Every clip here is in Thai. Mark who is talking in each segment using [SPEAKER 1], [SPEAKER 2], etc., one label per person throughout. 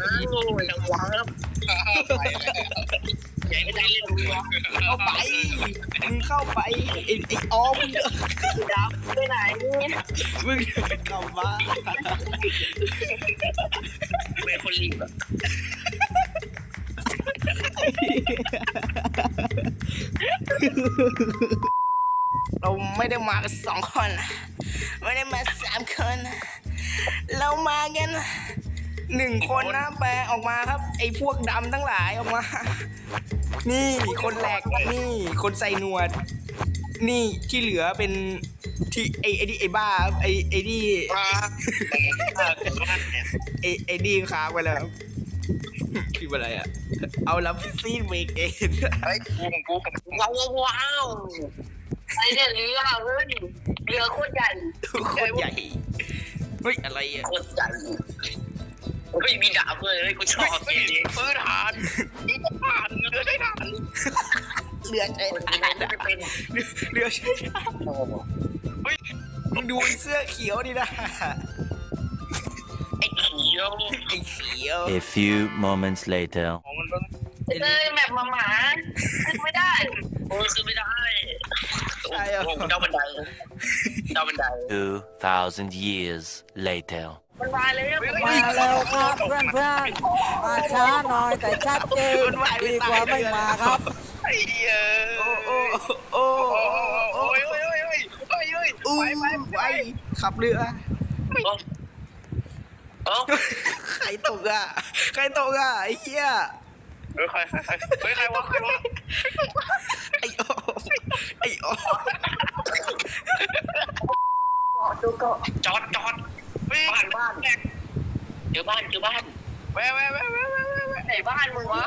[SPEAKER 1] จังหวะครับใหญ่ไม่ได้เล่นดู
[SPEAKER 2] เข้าไปมึงเข้าไปไอ้ออมมึง
[SPEAKER 1] ดับไปไหน
[SPEAKER 2] มึงเข้ามา
[SPEAKER 1] เป็นคนรีบอะ
[SPEAKER 2] เราไม่ได้มากัน2 คนไม่ได้มา3 คนเรามากัน1 คนนะแปลออกมาครับไอ้พวกดำทั้งหลายออกมานี่คนแหลกนี่คนใส่หนวดนี่ที่เหลือเป็นที่ไอ้บ้าไอ้ดีไอ้ดีค้างไปแล้วคืออะไรอ่ะเอาลับซีนเบรกเอง
[SPEAKER 1] ไอ้กูว้าวไอ้เนี่ยเรือเฮ้ยเรือโคตรใหญ่
[SPEAKER 2] โคตรใหญ่เฮ้ยอะไรอ่ะ
[SPEAKER 1] โคตรใหญ่เฮ้ยมีดาบเลยเฮ้ยกูชอบเลยปืนฐานนี่ก็ฐานเรือใช้ฐาน
[SPEAKER 2] เรือใช้ฐาน
[SPEAKER 1] ไม่เป็น
[SPEAKER 2] เรือใช้ฐานเฮ้ยมึงดูเสื้อเขียวดินะ
[SPEAKER 1] ไอ้เขียว
[SPEAKER 3] A few moments later
[SPEAKER 1] เลยแบบหมาขึ้นไม่ได้โอ้ขึ้นไม่ได้
[SPEAKER 2] ใช่เหรอ
[SPEAKER 1] เจ้าบันได
[SPEAKER 3] 2,000 years later
[SPEAKER 1] มันมาเลย
[SPEAKER 4] มาเร็วครับเพื่อนมาช้าหน่อยแต่ชัดเจนดีกว่าไม่มาครับ
[SPEAKER 1] ไอ้เหี้ย
[SPEAKER 2] โอ้
[SPEAKER 1] ไป
[SPEAKER 2] ขับเรือใครตกอ่ะไอ้เหี้ย
[SPEAKER 1] ใครวะ
[SPEAKER 2] ไอ้โอ
[SPEAKER 1] จอดบ้านเจอบ้านแวะไหนบ้านมึงวะ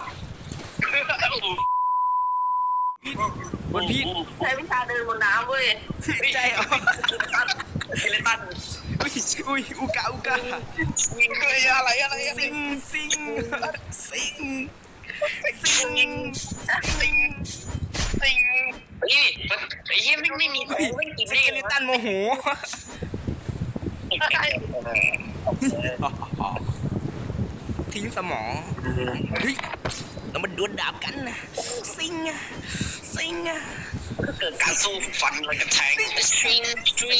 [SPEAKER 2] บนพี่
[SPEAKER 1] ใช้วิชาเดินบนน้ำเว้ย
[SPEAKER 2] ใช่เหรอ
[SPEAKER 1] เฮเลตัน
[SPEAKER 2] อุ้ยอุกา
[SPEAKER 1] เฮ้ยอะไร
[SPEAKER 2] ซิง
[SPEAKER 1] นี่ไอ้เหี้ยไม่มีไม่กิน
[SPEAKER 2] เฮเลตันโมโหทิ้งสมองเฮ้ยเรามาดวลดาบกันนะซิง
[SPEAKER 1] เกิดการสู้ฟันอะไรกันแทงซิง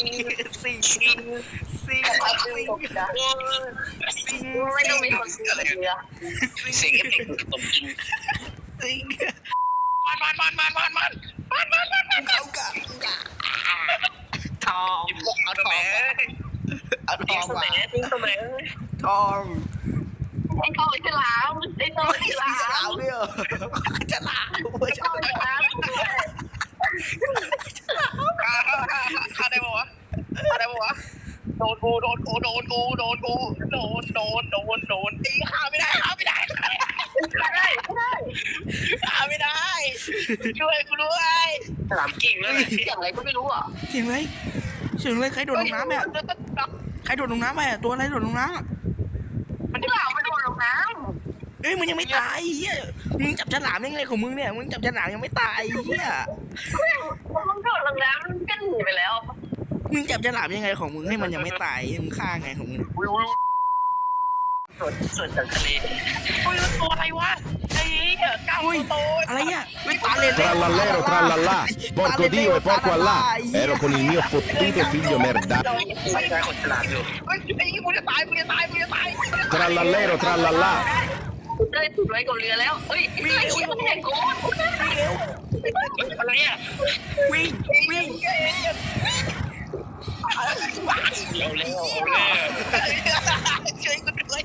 [SPEAKER 1] ไม่ต้องมีคนอะไรเงี้ยเสียงเอฟเฟกต์ตบกิน
[SPEAKER 2] ซิง
[SPEAKER 1] มัน
[SPEAKER 2] ทอง
[SPEAKER 1] เอาทองมา
[SPEAKER 2] ทอง
[SPEAKER 1] ไอ้โตฉลาม
[SPEAKER 2] เนี่ยฉลาม
[SPEAKER 1] อะไรวะโดนกูตีข้าไม่ได้ช่วยกูด้วยฉลามกิ่งเลยเสียงอะไรก็ไม่รู้อ่ะ
[SPEAKER 2] เสียงอะไรใครโดดลงน้ำเนี่ยตัวอะไรโดดลงน้ำ
[SPEAKER 1] มันฉลามมันโดดลงน้ำ
[SPEAKER 2] เอ้ยมึงยังไม่ตายเฮียมึงจับฉลามยังไงของมึงเนี่ยมึงจับฉลามยังไม่ตายเฮีย
[SPEAKER 1] มันโดดลงน้ำมันก็หนีไปแล้ว
[SPEAKER 2] มึงจับฉลามยังไงของมึงให้มันยังไม่ตายมึงฆ่าไงของมึง
[SPEAKER 1] ส่วนจากทะเลตัวอะไรวะไอ้ก้าวโต
[SPEAKER 2] อะไรอ่ะไม่ตาเลน
[SPEAKER 5] Trallallero trallallà porco Dio e porco Allah ero con il mio fottuto figlio merda
[SPEAKER 1] ไม่ใช่คนฉลาดอยู่ไอ้กูจะตาย
[SPEAKER 5] Trallallero trallallà
[SPEAKER 1] ได้ถูกไว้กับเรือแล้วเฮ้ยไอ้เชี่ยมันแหกโกนอะไรอ่ะ
[SPEAKER 2] วิ่ง
[SPEAKER 1] เร็วช่วยกูด้วย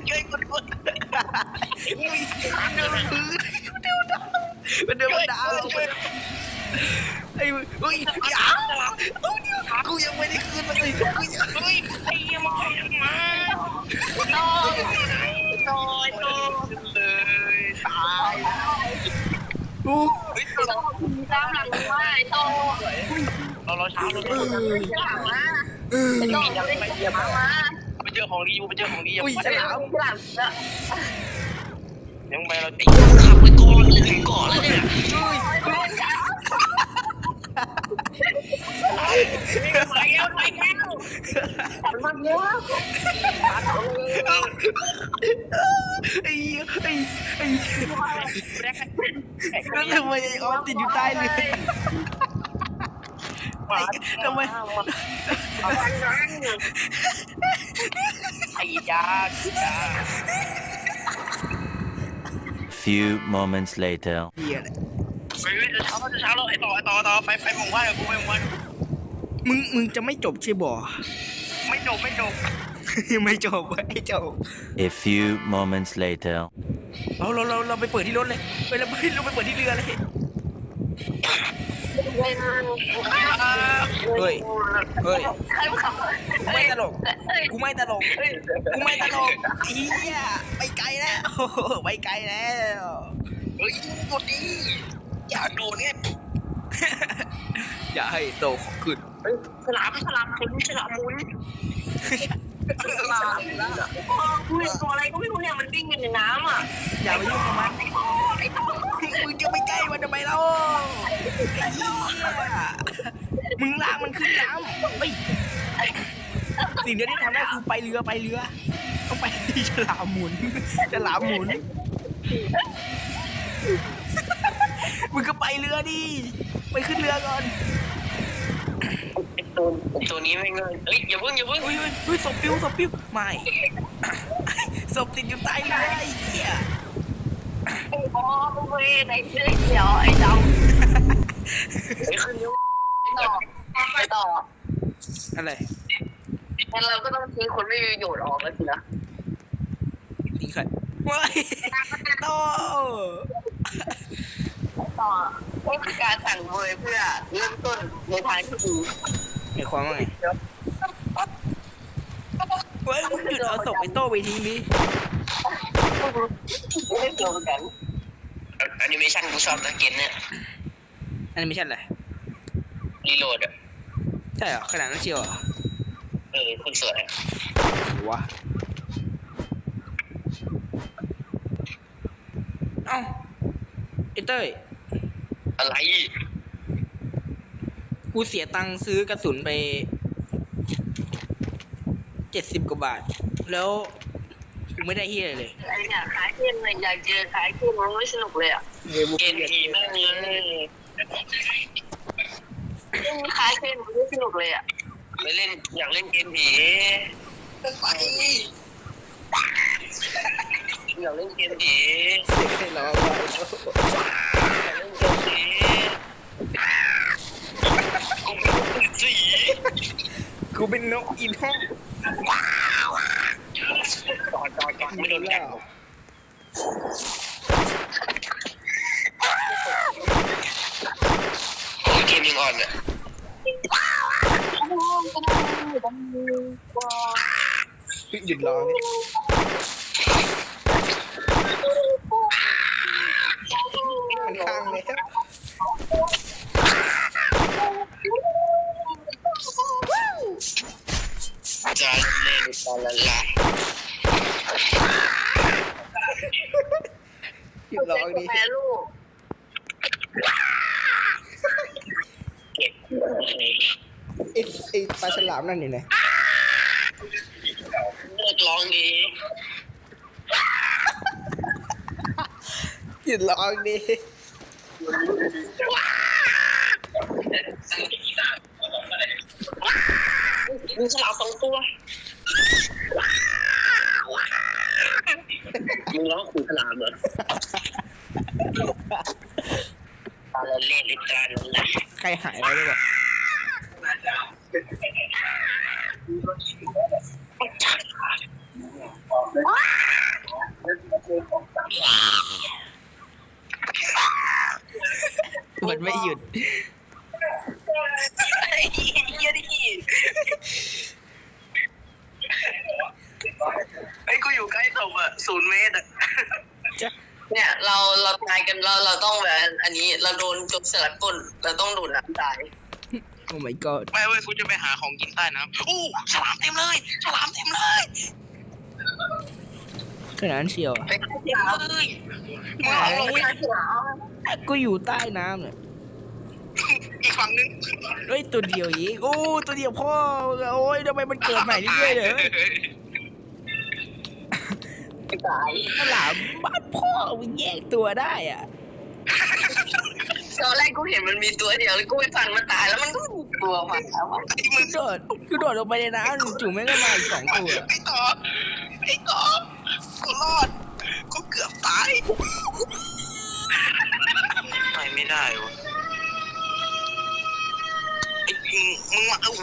[SPEAKER 2] มันเดินดาวไอ้เฮ้ยอย่ากูยังไม่ได้คืนมันเลย
[SPEAKER 1] ไอ้ยังมาโเลยตายตามหลังมาไอ้โตเราช้าเลยมาไอ้โตไปเจอของดี
[SPEAKER 2] อุ้ยฉลาม
[SPEAKER 1] ยังไปเราตีขับไปก่อนถึงก่อนแล้วเนี่ยไปแล้วมันเยอะ
[SPEAKER 2] ไอ้แล้วทำไมไอ้ออฟติดอยู่ใต้เรือทำไม
[SPEAKER 1] ไอ้ยา
[SPEAKER 3] Few moments later.
[SPEAKER 2] เหี้ยเลย
[SPEAKER 1] เฮ้ยจะเช้าแล้วไอ้ต่อไปหมู่บ้านกับกูไปหมู่บ้าน
[SPEAKER 2] มึงจะไม่จบใช่บ่
[SPEAKER 1] ไม่จบ
[SPEAKER 2] ไม่จบไม่จบ
[SPEAKER 3] A few moments later.
[SPEAKER 2] เราไปเปิดที่รถเลยเราไปเปิดที่เรือเลยเฮ้ยกูไม่ตลกเฮียไปไกลแล้วไปไกลแล้ว
[SPEAKER 1] เฮ้ยกดดิอย่าโดนเนี่ย
[SPEAKER 2] อย่าให้โตของขึ้น
[SPEAKER 1] ฉลามหมุนฉลามหมุนกูเห็นตัวอะไรก็ไม่รู้เนี่ยมันวิ่งอยู่ในน้ำอ่ะ
[SPEAKER 2] อย่าไปยุ่งกับมันมึงจะไปใกล้มันทำไมเล่าไอ้เหี้ยมึงลากมันขึ้นน้ำเฮ้ยสิ่งเดียวที่ทำได้คือไปเรือต้องไปที่ฉลามหมุนมึงก็ไปเรือดิไปขึ้นเรือก่อน
[SPEAKER 1] ตัวนี้ไม่เงินเฮ้ยอย่าเพิ่ง
[SPEAKER 2] เฮ้ยศพปิ้วไม่ศพติดอยู่ใต้เรือไอ้เหี้ย
[SPEAKER 1] อ๋อเว้ยในเสื้อเขียวไอ้ดำไอ้ขึ้นไปต่อ
[SPEAKER 2] อะไร
[SPEAKER 1] งั้นเราก็ต้องทิ้งคนไม่มีประโยชน์ออกแล้วสินะ
[SPEAKER 2] ทิ้งใครว้ายโต
[SPEAKER 1] ต่อนี่คือการสั่งเวยเพื่อเริ่มต้นในทางที่ดี
[SPEAKER 2] ไอ้ความว่าไงเฮ้ยมึงหยุดเอาศพไอ้โต้ไปทิ้งดิ
[SPEAKER 1] ไม่เกี่ยวกันแอนิเมชันกูชอบนะเกมเนี่ย
[SPEAKER 2] อันนี้ไม่ใช่อะไร
[SPEAKER 1] รีโหลดอ่ะ
[SPEAKER 2] ใช่เหรอขนาดนั้นเชียวเหรอ
[SPEAKER 1] คุณสวย
[SPEAKER 2] วะเอ้าไอ้เต้ย
[SPEAKER 1] อะไร
[SPEAKER 2] กูเสียตังค์ซื้อกระสุนไป70 กว่าบาทแล้วกูไม่ได้เฮียอะไรเลย
[SPEAKER 1] ไอ้เนี่ยขายเกมเลยอยากเจอขายเกมมันไม่สนุกเลยอ่ะเกมผีมากเลยขายเกมมันไม่สนุกเลยอ่ะไม่เล่นอยากเล่นเกมผีไปอยากเล่นเกมผี
[SPEAKER 2] เสียให้ร้อง
[SPEAKER 1] อยากเล่นเกมผีสี
[SPEAKER 2] กูเป็นนกอินห้อง
[SPEAKER 1] จอดไม่โดนกัดเกมยังอ่อนอ่ะ
[SPEAKER 2] หยุดร้องนี่มันข้างเลย
[SPEAKER 1] จะเล่นตอนละลาย
[SPEAKER 2] หยุดร้องดิ
[SPEAKER 1] แม่ลูกเก็บ
[SPEAKER 2] ไอ้ปลาฉลามนั่นอยู่ไหน
[SPEAKER 1] เลิกร้องดี
[SPEAKER 2] หยุดร้องดิ
[SPEAKER 1] มีฉลาม2 ตัวมึงร้องขู่ฉลามเหรอตอนเล่นลิตรานนะ
[SPEAKER 2] ใครหายไปด้วยวะมันไม่หยุด
[SPEAKER 1] ไอ้กูอยู่ใกล้ศพอ่ะ0 เมตรอ่ะ
[SPEAKER 2] จ้ะ
[SPEAKER 1] เนี่ยเราตายกันเราต้องแบบอันนี้เราโดนจมสลัดก้นเราต้องโดดน้ำตาย
[SPEAKER 2] โอ้ my god
[SPEAKER 1] ไม่เว้ยกูจะไปหาของกินใต้น้ำอู้ฉลามเต็มเลยฉลามเต็มเลย
[SPEAKER 2] ขนาดนั้นเชียว
[SPEAKER 1] ไปเต็มเลยมึงเอาลงไปฉลาม
[SPEAKER 2] ก็อยู่ใต้น้ำเนี่ย
[SPEAKER 1] อีกฝั่งนึง
[SPEAKER 2] เฮ้ยตัวเดียวอีกโอ้ตัวเดียวพ่อโอ้ยทำไมมันเกิดใหม่เรื่อยๆเลย
[SPEAKER 1] ตาย
[SPEAKER 2] ฉลามบ้านพ่อมันแยกตัวได้อ่ะ
[SPEAKER 1] ตอนแรกกูเห็นมันมีตัวเดียวแล้วกูไปฟันมันตายแล้วมันก็มีตัวมาแล้วอะ
[SPEAKER 2] กูโดดลงไปในน้ำจู่ๆแม่งก็มาอีก2 ตัว
[SPEAKER 1] ไอ้ต่อกูรอดกูเกือบตายไปไม่ได้วะไอ้มึงมาโอ้โห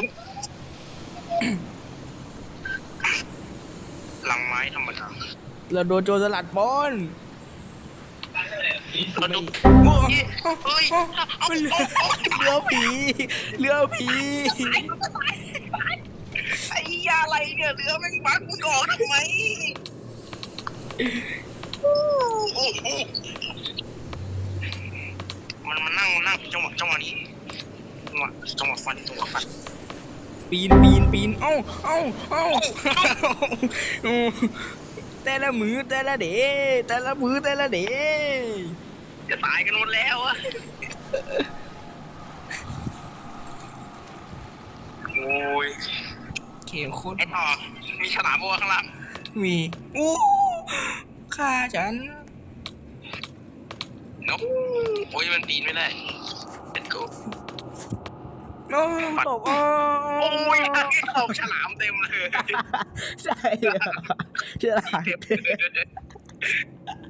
[SPEAKER 1] หลังไม้ธรรมดา
[SPEAKER 2] เราโดนโจรสลัดปล้น
[SPEAKER 1] เราดูเฮ้ย
[SPEAKER 2] เรือผีเรือผี
[SPEAKER 1] ไอ้ยาอะไรเนี่ยเรือแม่งบังมึงออกทำไมมันมานั่งจังหวะนี้จังหวะฟัน
[SPEAKER 2] ปีนเอ้าแต่ละมือแต่ละเดแต่ละมือแต่ละเด
[SPEAKER 1] จะตายกันหมดแล้วอะโอ้ย
[SPEAKER 2] เขียวโคตร
[SPEAKER 1] ไอ้ต่อมีฉลามบัวข้างล่าง
[SPEAKER 2] มีอู้ฆ่าฉัน
[SPEAKER 1] โอ้ยมันปีนไม่ได้เป็นกู
[SPEAKER 2] โอ้ตก
[SPEAKER 1] โอ้ยตกฉลามเต็มเลย
[SPEAKER 2] ใช่ฉลาด
[SPEAKER 1] เต็มเลย